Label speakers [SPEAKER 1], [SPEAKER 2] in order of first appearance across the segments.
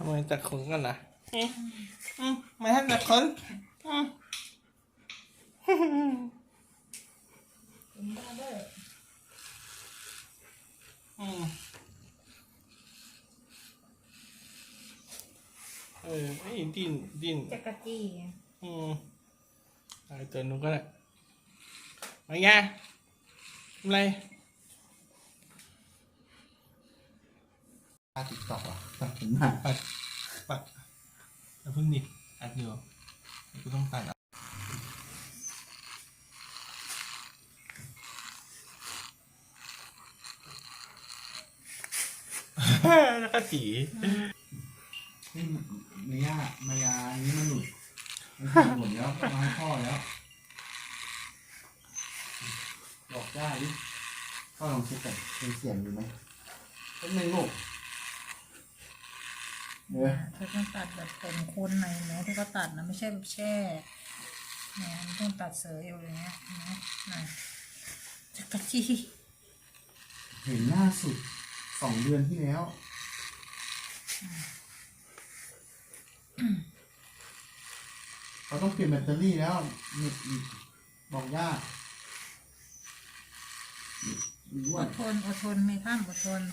[SPEAKER 1] ำไมจัดขนกันนะไม่ให้จัดขนไอ้ดิ้น
[SPEAKER 2] จักรจี้
[SPEAKER 1] ไอ้ตัวนู้นก็ได้มาไงทำไร
[SPEAKER 3] ติ๊กต็อกอ่ะตัดผมหา
[SPEAKER 1] ปัดแล้วเพิ่งดิอัดเดียวกูต้องตัดแล้วก็จี
[SPEAKER 3] นี่มายาอันนี้มันหลุดมันหมดแล้วมาให้พ่อแล้วบอกได้ดิพ่อลองเช็คก่อนเป็นเสียงอยู่ไหมเป็นหนึ่งลูก
[SPEAKER 2] เธอต้องตัดแบบผมคนในเนาะที่เขาตัดนะไม่ใช่แบบแช่เนี่ยมันต้องตัดเสยอยู่อย่างเงี้ยนะจักรจี้
[SPEAKER 3] เห็นล่าสุด2 เดือนที่แล้วเขาต้องเปลี่ยนแบตเตอรี่แล้วบอกยาก
[SPEAKER 2] อดทนไม่ท่านอดทน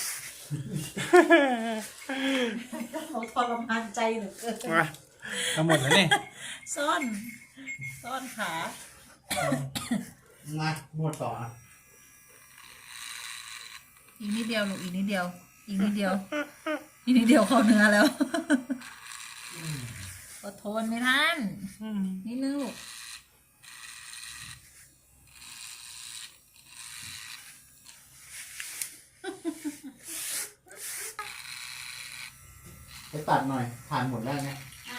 [SPEAKER 2] เขาทรมานใจเหลือเกิน
[SPEAKER 1] ทั้งหมดแล้วเนี่ย
[SPEAKER 2] ซ่อนขา
[SPEAKER 3] มาหมดต่อ
[SPEAKER 2] อีกนิดเดียวลูกอีกนิดเดียวเข้าเนื้อแล้วอดทนไม่ทันนิดนึงลูก
[SPEAKER 3] ไปตัดหน่อยผ่านหมดแล้วเนี่ย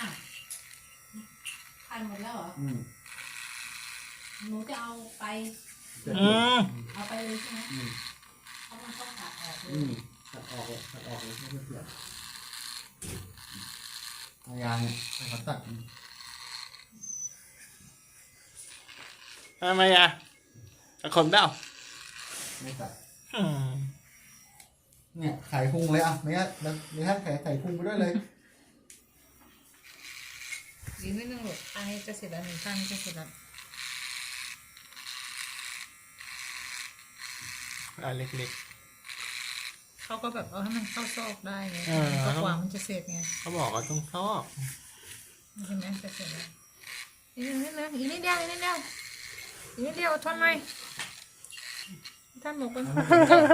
[SPEAKER 2] ผ่านหมดแล้วเหรอหนูจะเอาไปเลยใช่ไหมเขาต้องตัดออกเลย
[SPEAKER 3] ตัดออกเลยไม่เปลี่ยนพยายามเนี่ยเขาตัด
[SPEAKER 1] ทำไมอ่ะจะขมได้
[SPEAKER 3] ไม่ตัดเนี่ยไข่พุงเลยอ่ะไม่งั้นไม่งั้นไข่พุงไปด้วยเลย
[SPEAKER 2] อีกนิดนึงลูกอันนี้จะเสร็จแล้วหนึ่งข้างนี้จะเสร็จแล้ว
[SPEAKER 1] เล็ก
[SPEAKER 2] ๆเขาก็แบบให้มันเข้าซอกได้ไงก็กว่ามันจะเสร็จไง
[SPEAKER 1] เขาบอกว่าต้องซอก
[SPEAKER 2] ใช่ไหมจะเสร็จแล้วอีกนิดเดียวทนไหมท่านหมูเป็นคน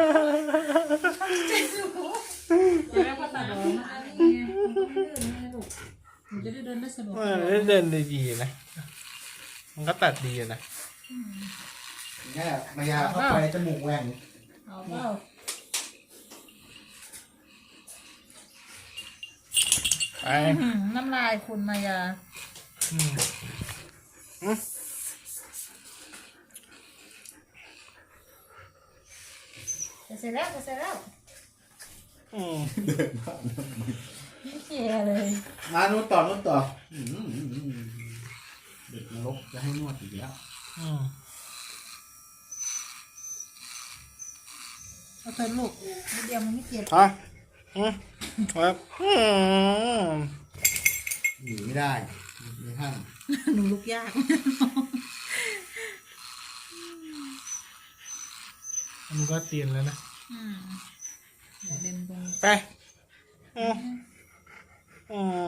[SPEAKER 2] แล้วก็ตัดออกมาอันนี้ไงมันก็ไม่เดินไงลูกมันจะได้เดินได้สะดวก
[SPEAKER 1] เดินได้ดีนะมันก็ตัดดีนะ
[SPEAKER 3] เนี่ยมายาเข้าไปจมูกแหว่ง
[SPEAKER 2] เอาเปล่า
[SPEAKER 1] ไป
[SPEAKER 2] น้ำลายคุณมายาเสร็จแล้ว
[SPEAKER 3] เดินผ่าน
[SPEAKER 2] ไม่เกี่ยเลย
[SPEAKER 3] มานู่นต่อเด็กนรกจะให้นวดอีกแล้ว
[SPEAKER 2] เอาเธอลูกนิดเดียวมันไม่เจ็บ
[SPEAKER 1] ครับ
[SPEAKER 3] หนีไม่ได้ไม่ท่าน
[SPEAKER 2] หนูลุกยาก
[SPEAKER 1] มันก็เตียนแล้วนะ
[SPEAKER 2] เดินตรง
[SPEAKER 1] ไป